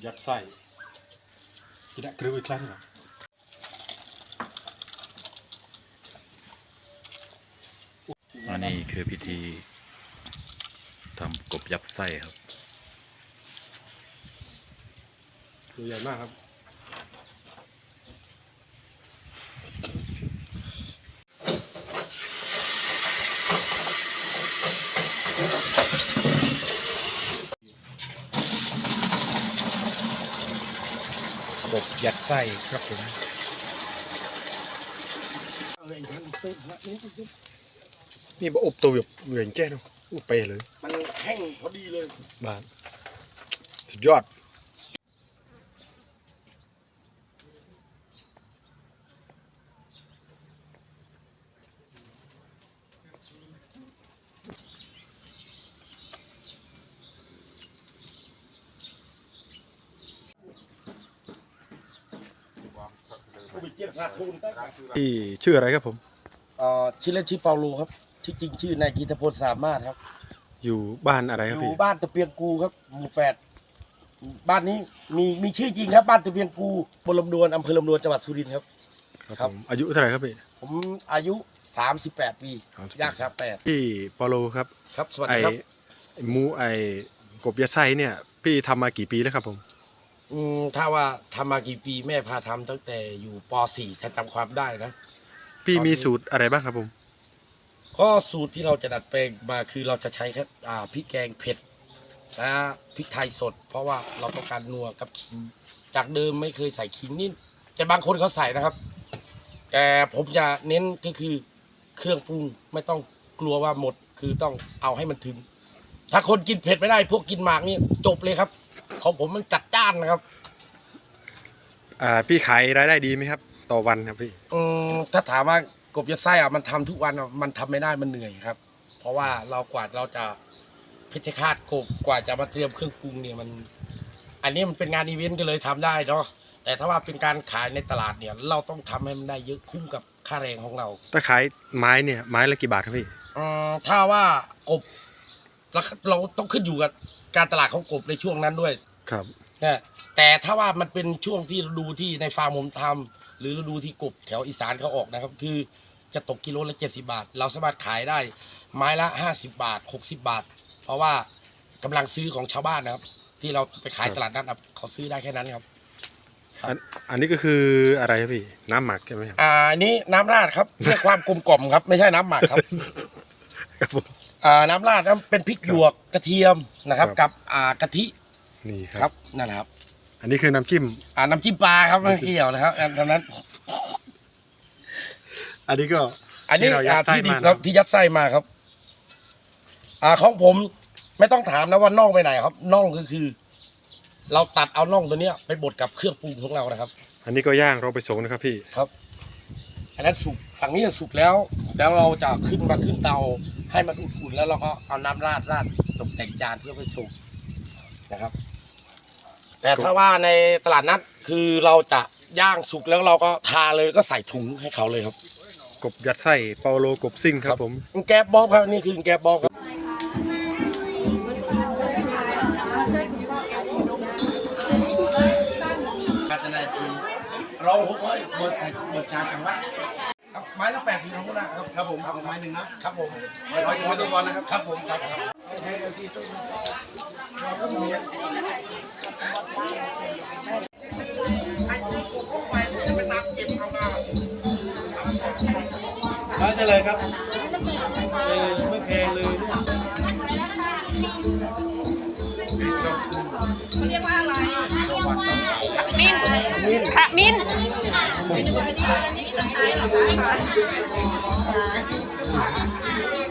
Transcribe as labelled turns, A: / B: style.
A: ยัดไส้tidak kru iklan nggak
B: อันนี้คือพิธีทำกบยัดไส้ครับ
A: ตัวใหญ่มากครับกบยัดไส้ครับผมนี่บะอบตัวแบบเหมือนแก้เนาะไปเลย
C: มันแห้งพอดีเลย
A: บ้านสุดยอดที่ชื่ออะไรครับผม
C: ชื่อเล่นชื่อเปาโลครับชื่อจริงชื่อนายกีตพลสามารถครับ
A: อยู่บ้านอะไรค
C: อ
A: รับ
C: ยู่
A: พี่
C: บ้านตะเปียงกูครับหมู่8บ้านนี้มีชื่อจริงครับบ้านตะเปียงกูบนลำดวนอำเภอลำดวนจังหวัดสุรินทร์ครับ
A: ครับอายุเท่าไหร่ครับพี่
C: ผมอายุ38 ปีย่าง38
A: พี่ปอโลครับ
C: ครับสวัสดีครับ
A: กบยัดไส้เนี่ยพี่ทำมากี่ปีแล้วครับผม
C: ถ้าว่าทำมากี่ปีแม่พาทำตั้งแต่อยู่ป .4 ถ้าจำความได้นะ
A: พี่มีสูตรอะไรบ้างครับผม
C: ก็สูตรที่เราจะดัดแปลงมาคือเราจะใช้แค่พริกแกงเผ็ดและพริกไทยสดเพราะว่าเราต้องการนัวกับขิงจากเดิมไม่เคยใส่ขิงนี่แต่บางคนเขาใส่นะครับแต่ผมจะเน้นก็คือเครื่องปรุงไม่ต้องกลัวว่าหมดคือต้องเอาให้มันถึงถ้าคนกินเผ็ดไม่ได้พวกกินหมากนี่จบเลยครับของผมมันจัดจ้านนะครับ
A: พี่ขายรายได้ดีไหมครับต่อวันครับพี่
C: ถ้าถามว่ากบยัดไส้มันทำทุกวันมันทำไม่ได้มันเหนื่อยครับเพราะว่าเราจะเพชรฆาตกบกว่าจะมาเตรียมเครื่องปรุงเนี่ยอันนี้มันเป็นงานอีเวนต์ก็เลยทำได้เนาะแต่ถ้าว่าเป็นการขายในตลาดเนี่ยเราต้องทำให้มันได้เยอะคุ้มกับค่าแรงของเรา
A: ถ้าขายไม้เนี่ยไม้ละกี่บาทครับพี่
C: ถ้าว่ากบเราต้องขึ้นอยู่กับการตลาดของกบในช่วงนั้นด้วย
A: ครับ
C: นะแต่ถ้าว่ามันเป็นช่วงที่ฤดูที่ในฟาร์มผมทำหรือฤดูที่กบแถวอีสานเขาออกนะครับคือจะตกกิโลละ70 บาทเราสามารถขายได้ไม้ละ50 บาท60 บาทเพราะว่ากำลังซื้อของชาวบ้านนะครับที่เราไปขายตลาดนัดเขาซื้อได้แค่นั้นครับ
A: อันนี้ก็คืออะไรครับพี่น้ำหมักใช่ไหมครับ
C: อันนี้น้ำราดครับเพื่อความกลมกล่อมครับไม่ใช่น้ำหมักครับ
A: ครับผม
C: น้ำราดนั้นเป็นพริกหยวกกระเทียมนะครับกับกะทิ
A: นี่
C: ครับนั่นแหละครับ
A: อันนี้คือน้ำจิ้ม
C: น้ำจิ้มปลาครับไม่เกี่ยวนะครับอันนั้น
A: อันนี้
C: ที่ดิบครับที่ยัดไส้มาครับของผมไม่ต้องถามนะว่าน่องไปไหนครับน่องก็คือเราตัดเอาน่องตัวเนี้ยไปบดกับเครื่องปรุงของเรานะครับ
A: อันนี้ก็ย่างเราไปส่งนะครับพี่
C: ครับอันนั้นสุกฝั่งนี้สุกแล้วเราจะขึ้นเตาให้มันอุ่นๆแล้วเราก็เอาน้ำราดตกแต่งจานเพื่อไปส่งนะครับแต่ถ้าว่าในตลาดนัดคือเราจะย่างสุกแล้วเราก็ทาเลยก็ใส่ถุงให้เขาเลยครับ
A: กบยัดไส้เปาโลกบซิ่งครับผม
C: แกบบอกครับนี่คือแกบบอกครับการจะได้เราเบิดจานจังหวัดครับไม้ละ80ของคุณนะครับผมไม้หนึ่งนะครับผม100 ตัวก่อนนะครับครับผมครับ
A: มาจะเลยครับไม่แพงเลย
D: เขาเรียกว่าอะไรขมิ้นไม่นึกว่าไม่ดีไม่มีตะไคร้หรอคะ